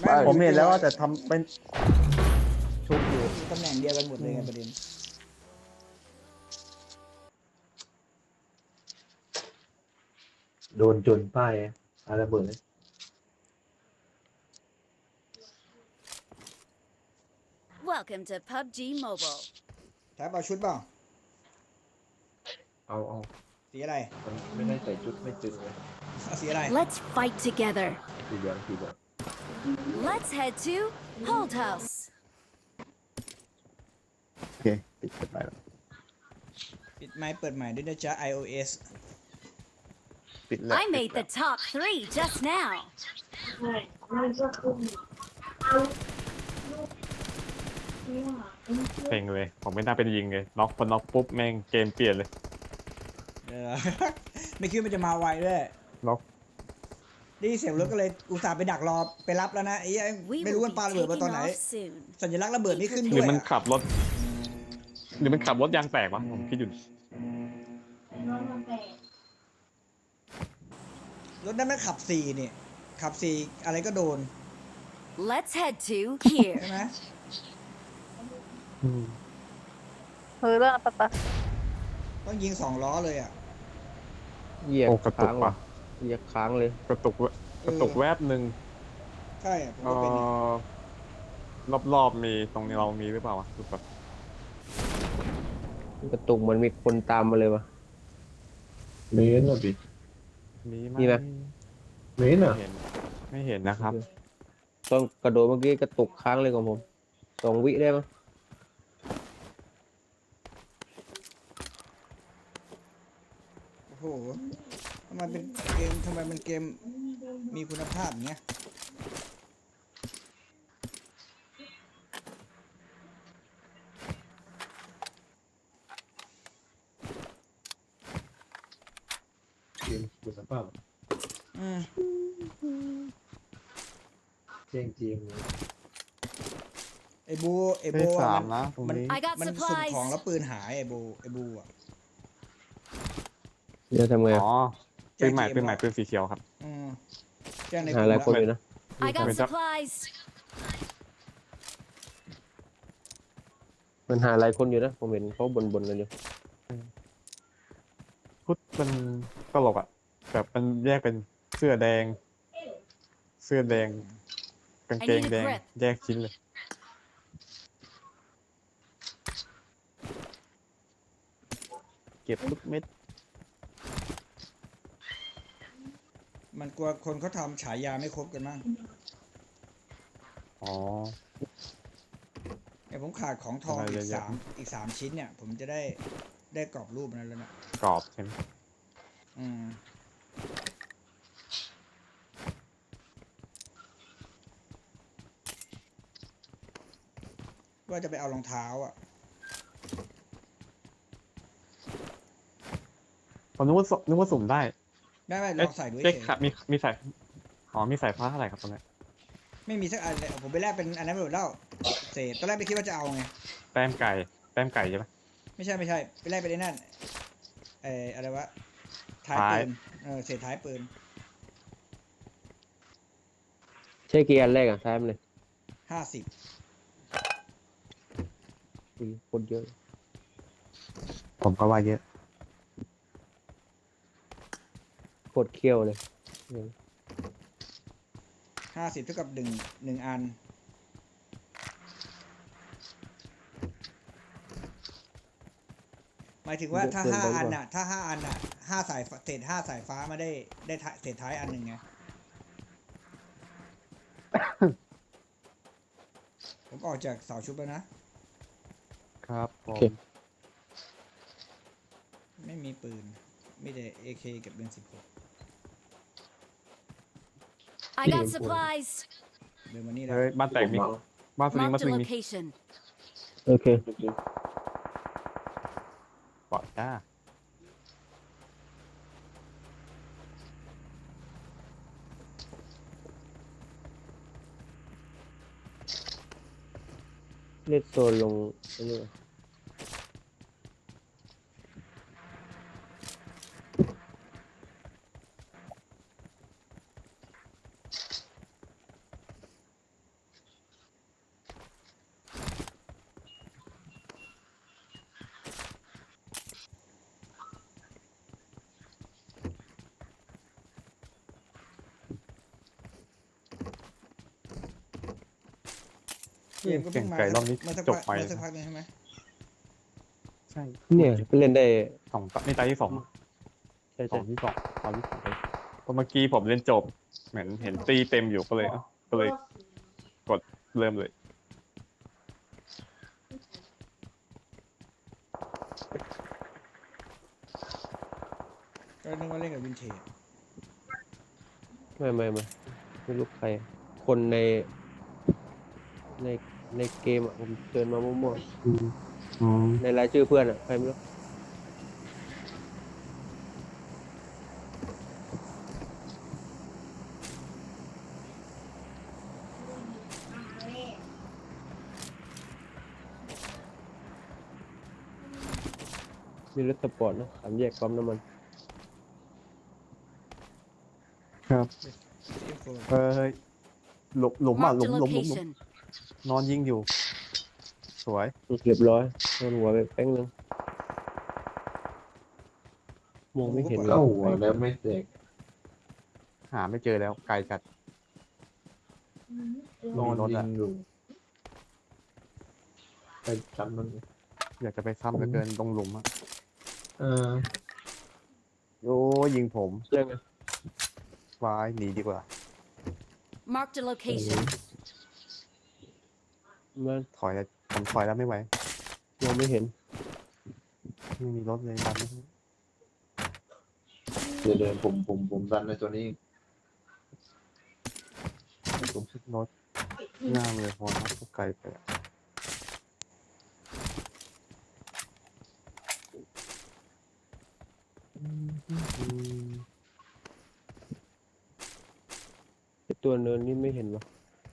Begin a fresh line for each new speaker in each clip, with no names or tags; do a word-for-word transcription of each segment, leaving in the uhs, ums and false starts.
ไม่
ผมเห็นแล้วว่าแต่ทำเป็นชุบอยู่
ตำแหน่งเดียวกันหมดเลยไงประเด็น
โดนจนป้ายอะไรเบิดเลย
Welcome to พับจี Mobile.
แท็บเอาชุดเปล่า
เอาเอา
สีอะไร
มันไม่ได้ใส่ชุดไม่ตึงเลย
เอาสีอะไร
Let's fight together.
สีเหลืองสีเหลือง
Let's head to Hold House.
โอเคปิดเปิดไปแล้ว
ปิดไม้เปิดใหม่ด้วยนะจ๊ะ iOS
ปิดแล้ว
I made the top three just now.
เซ็งเลยผมไม่น่าเป็นยิงเลยน็อกพอน็อกปุ๊บแม่งเกมเปลี่ยนเลย
เออ ไม่คิดว่ามันจะมาไวด้วย
น็อก
ได้ยินเสียงรถก็เลยอุตส่าห์ไปดักรอไปรับแล้วนะไอ้เหี้ย
We
ไม่รู้
will
มัน
be
ปาระเบิดมาตอน
taking
ไหน
off soon.
สัญลักษณ์ระเบิดไม่ขึ้น
ห
ด้
รื
ว
อย มัน
อะ
ขับรถหรือมันขับรถยางแตกวะผมคิดอยู่
รถนั้นมันขับสี่นี่ขับสี่อะไรก็โดน
Let's head to here.
ใช่ไหม
เฮ้ยเรื่องปะปะ
ต้องยิงสองล้อเลยอ่ะ
เหยียบ
โอ้กระตุ
ค้าก ง
ว่ะ
เหยียบค้างเลย
กระตุกแวะกระตุกแวบหนึ่ง
ใช่ผม
เอ
ก็เป็น
อรอบๆมีตรงนี้เรามีหรือเปล่าวะดูก่อน
กระตุกเหมือนมีคนตามมาเลยวะ
เมนอ่ะดิ
มีไหม
มีไหม
เมน
ไม่
อ่ะ
เห็นไม่เห็นนะครับ
ตอนกระโดดเมื่อกี้กระตุกค้างเลยของผมสองวิได้มั้ง
โอ้โหทำไมเป็นเกมทำไมมันเกมมีคุณภาพอย่างเงี้ย
เกมคุณภาพ
อืม
เจ้งเจียงเลย
ไอ้บูไอ้
ได้
บู
สาม
มัน
นะตรง
มัน
นี้
I got
มันสุ่ม
supplies.
ของแล้วปืนหายไอ้บูไอ้บูอ่ะ
จะทำไง
อ๋
อะ
อปืนใหม่ปืนใหม่ปืนสีเขียวครับ
อืมแจ้งในก
หา
ลุ่
หลาย
ม
คน
อะ
อยู่นะ
I got
Wait up.
supplies.
มันหาหลายคนอยู่นะผมเห็นเขาบ่นๆกันอยู่
พุทธมันตลกอ่ะแบบมันแยกเป็นเสื้อแดง เสื้อแดงกางเกงแดง แยกชิ้นเลย
เก็บทุกเม็ด
มันกลัวคนเขาทำฉายาไม่ครบกันมั้ง
อ๋อ
ไอ้ผมขาดของทอง
อะไร
อี
เย
ก
อะแยะ
สามอีกสามชิ้นเนี่ย ผมจะได้ได้กรอบรูปนั้นแล้วนะ
กรอบใช่ไหม
อืมว่าจะไปเอารองเท้าอ่ะ
ผมนึกว่าสนึกว่าสุ่มได้
ได้ไหมล
เอ๊ะ
องใส่ด้วย
เอ๊ะ
เฉย
ครับมีมีสายอ๋อมีสายฟ้าเท่าไหร่ครับตรงนี้
ไม่มีสักอันเลยผมไปแลกเป็นอันนั้นไปหมดแล้วเศษตอนแรกไม่คิดว่าจะเอาไง
แต้มไก่แต้มไก่ใช่ไหม
ไม่ใช่ไม่ใช่ไปแลกเป็นไอ้นั่นเอออะไรวะท้าย
ท้าย
ปืนเออเศษท้ายปืน
ใช่กี่อันแรกอะท้ายมันเลย
ห้าสิบ
อุ๊ยคนเยอะ
ผมก็ว่าเยอะ
โคตรเคี้ยวเลย
ห้าสิบเท่ากับหนึ่งหนึ่งอัน หมายถึงว่าถ้าห้าอันน่ะ ถ้าห้าอันน่ะห้าสายฟ้าเศษห้าสายฟ้ามาได้ได้ท้ายเศษท้ายอันหนึ่งไง ผมออกจากเสาชุบแล้วนะ
ครับผ
โอ
ม
เค
ไม่มีปืน มีแต่ เอ เค กับเบนสิบหก
I got supplies.
เดินมานี่แล้ว
เฮ้ยบ้านแตกมีบ้านสลิงบ้าน
Marked
ส
a
ลิงมี
location.
โอเค
ปอดจ้า
เล่นโซนลงอันนี้ก่อน
เกมก็
เก่
เพิ่
ง
งมา
ไก่รอบนี้
เมื่อสัก
จบ
พัก
ไป
เมื่อสักพักหนึงใช่ไหม
ใช่
เนี่ยไปเล่นได้
สองตานี่ตาที่สอง
ใช่
สอ
ใช่
งที่สองตาที่สองเลยเพราะเมื่อกี้ผมเล่นจบ เหมือนเห็นตีเต็มอยู่ก็เลยเอ้าก็เลยกดเริ่มเลย
ก็นึกว่าเล่นกับวินเทจ
ไม่ไม่ไม่ไม่รู้ใคร คนใน ในในเกมอ่ะผมเชิญมามั่ว
อืมอืม
ๆในรายชื่อเพื่อนอ่ะใครไม่รู้ มีรถสปอร์ตนะสามแยกปั๊มน้ำมัน
ครับ
เอฟโฟ
เอ้ยหลุมหลุมอ่ะห
Marked
ลุ
a
มหลุมหลุมหลุม
location.
นอนยิงอยู่ สวย
เรียบร้อยโดนหัวไปแป้งนึงมองไม่เห็นเล
เข้าย หัวแล้วไม่แตก
หาไม่เจอแล้วไกลจัด
นอน
รถ
ยิ
อะ
งอยู่ไปจำมัน
อยากจะไปซ้ำเหลือเกินตรงหลุมอ่ะ
เออ
โอ้ยิงผม
เรื่องไง
วายหนีดีกว่า
Marked a location.
มัน
ถอยแล้วผมถอยแล้วไม่ไหว
มองไม่เห็น
ไม่มีรถเลยดันไม่ได้
เดี๋ยวเดินผมผมผมดันในตัวนี้
ผมชิดรถหน้าเลยพอนะก็ไกลไปอะอืม
ไอ้ตัวเนินนี่ไม่เห็นวะ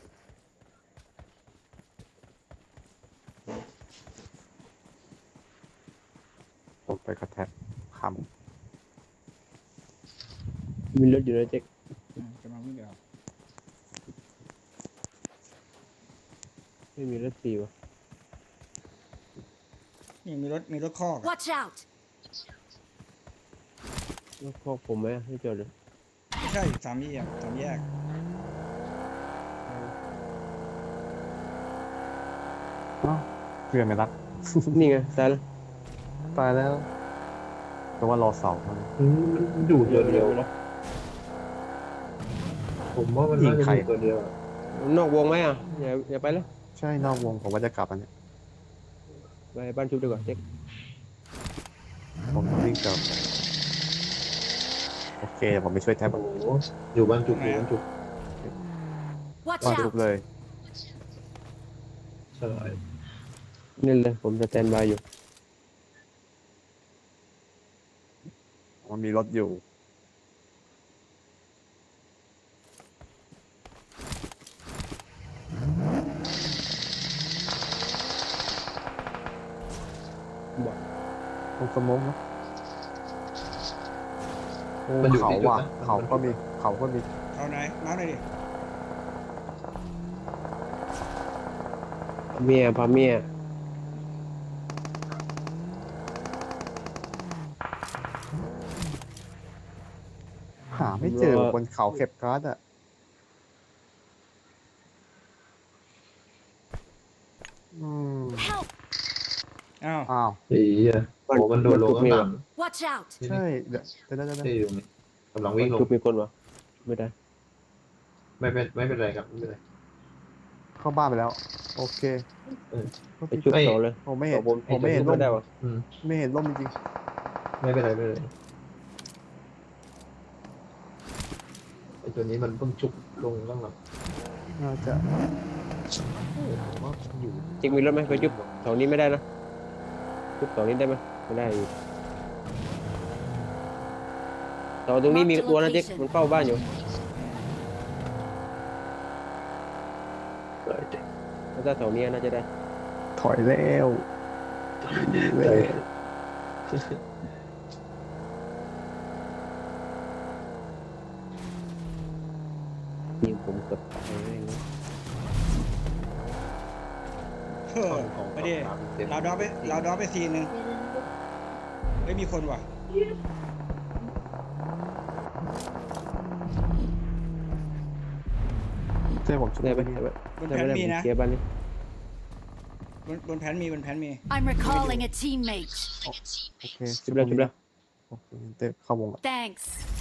ผมไปกระแทกค
มีรถอยู่นะเจ๊ก
อืมกำลังวิ่งไปเอา
ไม่มีรถสี่วะ
นี่มีรถมีรถคอกอะ
Watch out!
รถคอกผมไหมให้จอดเลย
ไม่ใช่สามแยกสามแยก
ำอ้าวเพื่อนไม่รัก
นี่ไงตายแล้ว
ตายแล้วแต่ว่ารอเสามัน
อืมมันอยู่ตัวเดียว ผมว่ามันน่าจะอยู่ตัวเดียว
นอกวงไหมอ่ะอย่าอย่าไปแล้ว
ใช่นอกวงผมว่าจะกลับอันเนี้ย
ไปบ้านชุบดีกว่าเจ๊ก
ผมต้องวิ่งกลับโอเคเดี๋ยวผมไปช่วยแท็บ
โอ้โหอยู่บ้านจุกอยู่บ้านจุก
Watch
บ้านทุบ
out!
เลย
ใช่
นี่เลยผมจะแตนบายอยู่
มันมีรถอยู่
บอก
ตรงสมองนะโอ้
มันอยู่
เขา
ที่จุด
ว่ะ
นะ
เขาก็มีเขาก็มี
เอาไหนน้ำหน่อยดิ
เมียพาเมีย
หาไม่เจอบนเขาเก็บการ์ดอ่ะอืม
Help!
อ้าว
อ้าว
ไอ้เหี้ยโอ้มันโดดลงข้างหลัง
Watch out!
ใช่เดี๋ยวเดี๋ยวเดี๋ยวเดี๋ยว
ที่อยู่นี่กำลังวิ่งลง
ชุบมีคนวะไม่ได้
ไม่เป็นไม่เป็นไรครับไม่เป็นไร
เข้าบ้านไปแล้ว โอเค
เออ
ไปชุบ
เอ้ย
ต่อเลย
ผมไม่เห็น
ต่อบน
ผมไม่เห็น
ชุบ
ร่ม
ได้วะ
อืม
ไม่เห็นร่มจริง
ไม่เป็นไรไม่เป็นไรไอ้ตัวนี้มันเพิ่งชุบลงข้างหลัง
ๆน่าจะ
ผมว่ามันอยู่
เจ๊กมีรถไหมไปชุบแถวนี้ไม่ได้นะชุบแถวนี้ได้ไหมไม่ได้อยู่แถวตรงนี้มีตัวนะเจ๊กมันเฝ้าบ้านอยู่
เลยเจ๊
ถ้าแถวนี้น่าจะได้
ถอยแล้ว
เลย
ยิงผมเกับตายแม่งเลย
เออไปดิเราดอปไปเราดอปไปซีนหนึ่งไม่มีคนว่ะ
ใช่ผมช่วย
ได้ไหม
ไป
ได้ไหม
บน
ได้
แผ
ไหม
น
ได้
มี
ผม
นะ
เคลียร์บ้านนี้
บนบนแผนมีบนแผนมี
I'm recalling a teammate.
โอเค
ชุบแล้วชุบแล้ว
โอเคเต้เข้าวงละ
Thanks.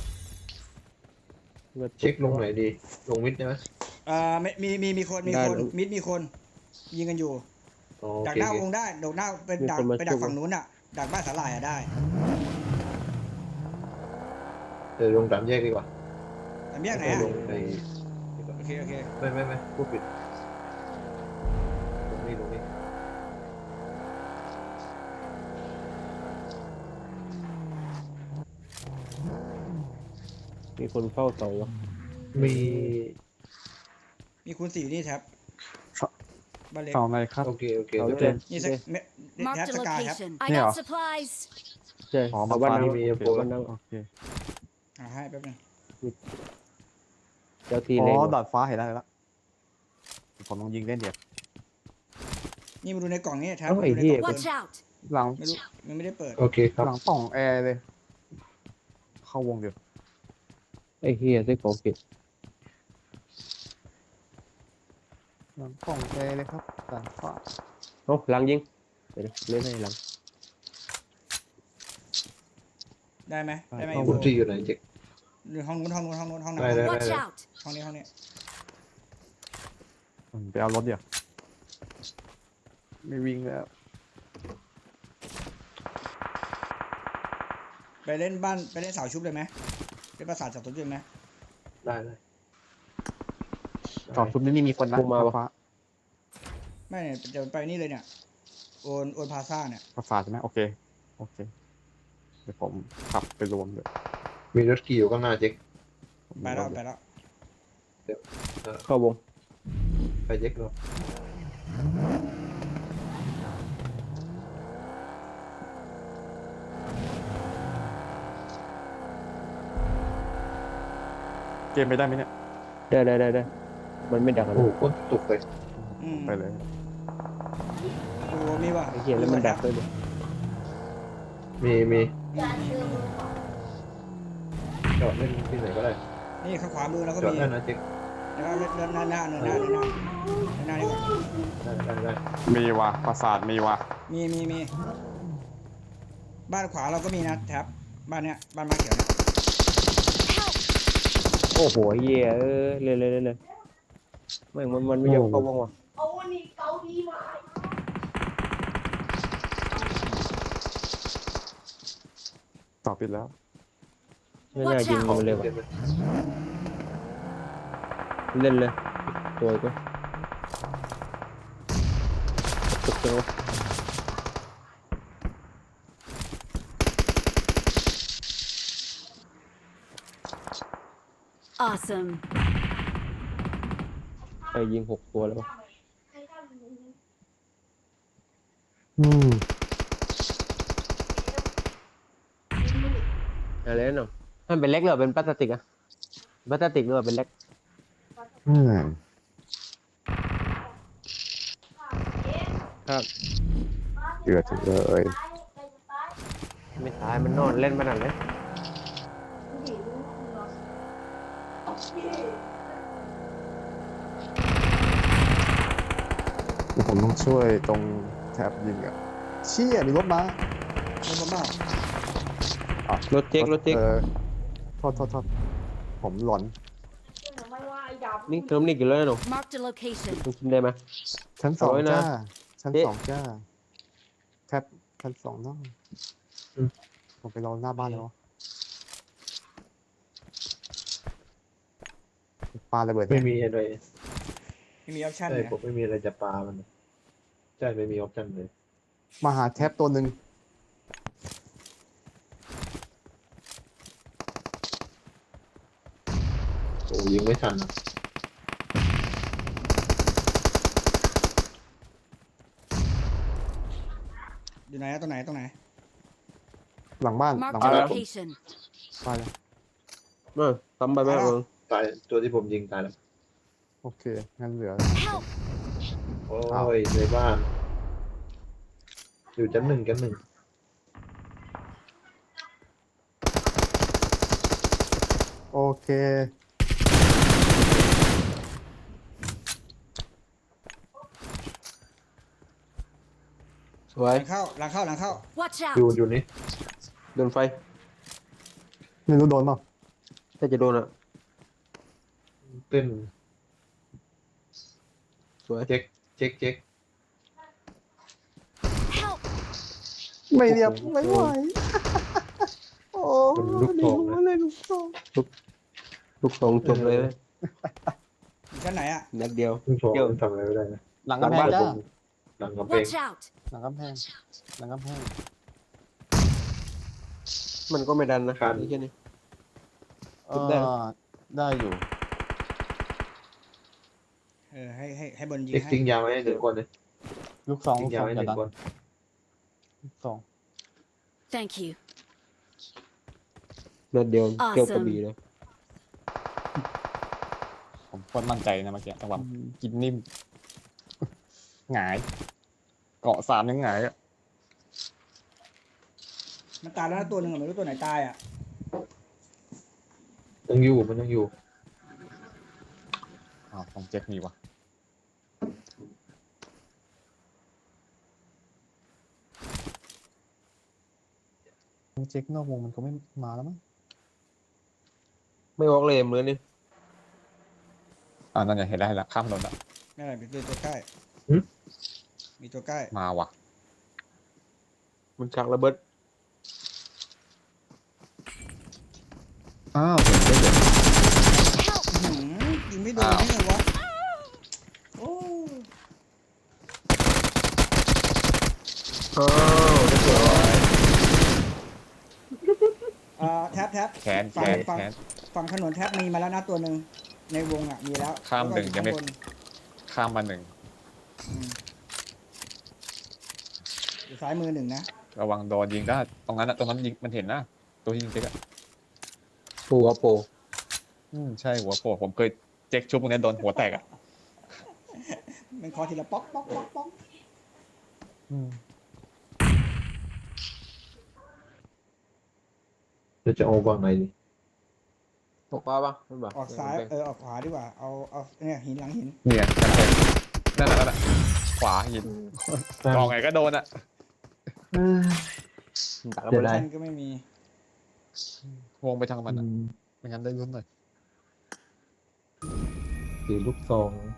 เช็คลงไหนดี ลงมิดได้ไหม
เอ่อไม่มีมีมีคนมี
ได้
คน
แล้ว
มิดมีคนยิงกันอยู่
อ๋อโอ
ดัก
เค
หน้า
โอ
วง
เค
ได้ดักหน้าเป็น
มี
ดัก
คนมา
ไปดัก
ช่วย
ฝั่งนู้นอ่ะดักบ้านสาหร่ายอ่ะได้
เดี๋ยวลงสามแยกดีกว่า
แต่แยกไหน
ม่
อ่ะ
ลงในดีกว่า
โอเคโอเค
ไม่ไม่ไม่พูดผิดลงนี่ลงนี่
มีคนเฝ้าเสาวะ
มี
มีคูณสี่อยู่นี่แท็บบ้านเล็ก
เสาไหนครับ
โอเคโอเค
เอา
เดี๋ยว
เลย
นี่สักเมแท็บ
Marked a
สกายครับ
location. I
Yeah.
got supplies.
ใช่
อ๋อ
เอา
มา
บ้าน
ฟ้า
น้
นี่
มี
โอเค
โปร
บ้านน้
โอเค
อ่าให้แป๊บนึง
ำเจ้าที่
อ๋
เล็ง
อ
ว่ะ
ดาดฟ้าเห็นแล้วเห็นแล้วผมลองยิงเล่นเดี๋ยว
นี่มาดูในกล่องนี่แท็บ
เอ้า
มา
ไอ้
ดูใน
เหี้ย
กล่อง
Watch out.
หลัง
ไม่รู้มันไม่ได้เปิด
โอเคครับ
หลังป่องแอร์เลย เข้าวงเดี๋ยว
ไอ้เฮียได้ของผิด
หลังป่องแอร์เลยครับดาดฟ้า
เอ้าหลังยิงเดี๋ยวเล่นให้หลัง
ได้ไหมได้ไหม
คุณที่อยู่ไหนเจ๊ก
หรือห้องนู้นห้องนู้นห้องนู้นห้องไหน
ได้ได้
Watch out.
ห้องนี้ห้องนี้
อืมไปเอารถเดี๋ยวไม่วิ่งแล้ว
ไปเล่นบ้านไปเล่นเสาชุบเลยไหมเล่นปราสาทเสาชุบเลยไหม
ได้เลย
จอดชุดนี้มีคนนะ
พวกมา
ดาด
ปะ
ฟ้า
ไม่เนี่ยจะไปนี่เลยเนี่ยโอนโอนพาซ่าเนี่ย
ประสาทใช่ไหมโอเคโอเคเดี๋ยวผมขับไปรวมเลย
มีรถขี่อยู่ข้างหน้าเจ๊ก
ไปแล้วไปแล้ว
เข้าวง
ไปเจ๊กเนาะ
เกมไปได้ไหมเนี่ย
ได้ได้ได้ได้มันไม่ดักอะ
โอ้
ไร
โหโคตรตุกเลย
อืม
ไปเลย
โอ้มีว่ะ
ไอ้เฮียแล้วมันดักด้วยดิ
มีมีจอดเล่นที่ไหนก็ได้
นี่ข้างขวามือเราก็
จอด
มี
ได้นะเจ๊ก
แล้วก็เดินหน้าหน้าเดินหน้าเดินหน้าเดินหน้าดีกว่า
ได้ได้ได้
มีว่ะประสาทมีว่ะ
มีมีมีบ้านขวาเราก็มีนะแท็บบ้านเนี้ยบ้านมาเขียวเนี่ย
โอ้โหเฮียเออเลยเลยเลยเลยไม่งมันมันไม่ยอมเข้าวงว่ะ
ต่อปิดแล้ว
ไม่น่ายิง
ออก
มันเลย
เต็
ว่ะ
มเลย
เล่นเลยตัวก็ตุกจังวะ
Awesome.
ไปยิงหกตัวแล้ววะ
อืม
อะไรนั่นเนาะมันเป็นเล็กหรือเป็นพลาสติกอะพลาสติกหรือว่าเป็นเล็ก
อืม
ครับ
เดือดจังเลย
ไม่ตายมันนอนเล่นมันอะไร
ผมต้องช่วยตรงแถบยิงอ่ะเชี่ยมีรถมา
รถบ้าร
ถเจ๊กรถเจ๊ก
เออโทษโทษโทษผมหลอน
นี่เติมนี่กี่ร้อยนะหนู
Marked a location.
มึงกินได้ไหม
ชั้นสอง
เอาไว้นะ
จ้า ชั้น
เอ๊ะ
สองจ้าแคปชั้นสองเนาะผมไปรอหน้าบ้านแล้วปาระเบิด
ไม่มีอะไร
ไม่มีออปชั่น
ใช่
เนี่ย
ผมไม่มีอะไรจะปามันใช่ไม่มีออปชั่นเลย
มาหาแท็บตัวหนึ่ง
โอ้ยิงไม่ทันอะ
อยู่ไหนอะตรงไหนตรงไหน
หลังบ้านหลัง
Marked
บ้าน
a
แล้ว
location.
ไปแล้ว
เออทำไปไหมมึง
ตายตัวที่ผมยิงตายแล้ว
โอเค งั้นเหลือ
Help.
โอ้
อ้าว
ยในบ้าน อยู่ชั้นหนึ่งชั้นหนึ่ง
โอเค
สวย
หลังเข้าหลังเข้าหลังเข้า
Watch
อยู่
out!
อยู่นี่
โดนไฟ
ไม่รู้โดนเปล่า
ถ้าจะโดนอ่ะ
เต้น
สวย
เจ๊กเจ๊กเจ๊ก
Help!
ไม่เรียบไม่ไหวโอ้
มันลูกโป่งนะ
เลยลูกโป่ง
ลูกสองจบเลยนะ
อยู่ชั้นไหนอ่ะ
นัดเดียว
ลูกโป่ง
เกี่ยว
มันทำอะไรไม่ได้นะ
หลังกำแพงจ้า
หลังกำแพง
Watch out!
หลังกำแพงหลังกำแพง
มันก็ไม่ดันนะ
ครับ
นี่แค่นี้
เอ
ได้
อได้อยู่
เออให้ให้ให้บนยิง
เจ๊ก
ให้
ทิ้งยาไว้ให้หนึ่งคนเลย
ลูกสอง
ทิ้
ลู
ง
ก
ยา
สอง
ไว้
อ
ห
ย่า
นึ่
ดั
ง
น
คน
ลูกสอง
Thank you.
นัดเดียว
Awesome
เกี่ยวกระบี่เลย
ผมโคตรมั่นใจนะเมื่อกี้จังหวะกินนิ่ม หงาย เกาะสามยังหงายอ่ะ
มันตายแล้วนะตัวหนึ่งอะไม่รู้ตัวไหนตายอ่ะ
ยังอยู่มันยังอยู่
อ้าวของเจ็คมีวะเจ็คนอกวงมันก็ไม่มาแล้วมั้ง
ไม่ออกเลยเหมือนนี่
อ่านั่นไงเห็นแล้วเห็นแล้วข้ามถนนแล้ว
ไม่อะไรมีตัวใกล้
หึ
มีตัวใกล้
มาว่ะ
มันชักระเบิด
อ้าวเห็นได้เดี๋ยว
อื้อหือยิงไม่โดนได้ไงวะโอ้
อ้าวได้สวย
อ่าแท็บแท็บ
แขนแข
ฝั่ง
น
ฝั่ง
แขน
ฝั่งถนนแท็บมีมาแล้วนะตัวหนึ่งในวงอ่ะมีแล้ว
ข้ามหนึ่ง
แล้วก็อ
ยังไม่
ข้าบน
ข้ามมาหนึ่ง
อืมอยู่ซ้ายมือหนึ่งนะ
ระวังโดนยิงได้ตรงนั้นอะตรงนั้นยิงมันเห็นนะตัวที่ยิงเจ็คอะ
ปูอะโป
อืมใช่หัวโผล่ผมเคยเจ็คชุบตรงนี้โดนหัวแตกอะ
มันคอทีละป๊อกป๊อกป๊อกป๊อก
อืม
เราจะเอาวางไหนดี
ตกปลาปะไม่ปะ
ออกซ้ายเออออกขวาดีกว่าเอาเอาเนี่ยหินหลังหิน
เนี่ยกำแพงนั่นแหละนั่นแหละขวายิงมองไงก็โดนอะ
ดักระ
เสี
เบิ
ย
ด
ดาย
ชั้นก็ไม่มี
วงไปทางมันอะไม่งั้นได้ลุ้นเลย
ถือลูกซอง